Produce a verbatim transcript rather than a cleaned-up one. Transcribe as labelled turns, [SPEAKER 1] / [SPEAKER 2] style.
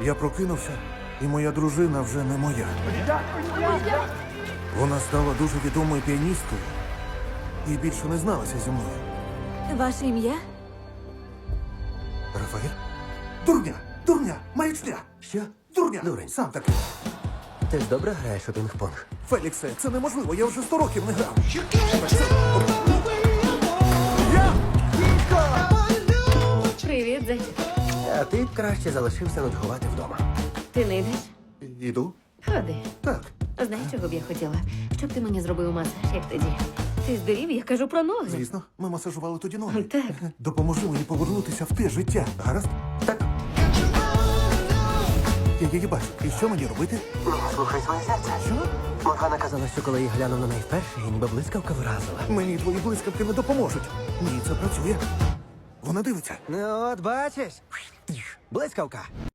[SPEAKER 1] Я прокинувся, і моя дружина вже не моя. Вона стала дуже відомою піаністкою і більше не зналася зі мною.
[SPEAKER 2] Ваше ім'я?
[SPEAKER 1] Рафаель? Дурня! Дурня! Маячня!
[SPEAKER 3] Що?
[SPEAKER 1] Дурня!
[SPEAKER 3] Дурень.
[SPEAKER 1] Сам такий.
[SPEAKER 3] Ти ж добре граєш у пінг-понг?
[SPEAKER 1] Феліксе, це неможливо, я вже сто років не грав. Я!
[SPEAKER 2] Привіт, зайчик.
[SPEAKER 3] А ти б краще залишився нудьгувати вдома.
[SPEAKER 2] Ти не йдеш?
[SPEAKER 1] Іду?
[SPEAKER 2] Ходи.
[SPEAKER 1] Так.
[SPEAKER 2] Знаєш, чого б я хотіла? Щоб ти мені зробив масаж, як тоді. Ти здурів, я кажу про ноги.
[SPEAKER 1] Звісно, ми масажували тоді ноги.
[SPEAKER 2] Так.
[SPEAKER 1] Допоможи мені повернутися в те життя. Гаразд?
[SPEAKER 3] Так.
[SPEAKER 1] Я її бачу. І що мені робити?
[SPEAKER 3] Ну, слухай своє серце.
[SPEAKER 1] Що?
[SPEAKER 3] Моргана казала, що коли я глянув на неї вперше, її ніби блискавка вразила.
[SPEAKER 1] Мені твої блискавки не допоможуть. Ні, це працює. Вона дивиться.
[SPEAKER 3] Ну, от бачиш. Блискавка.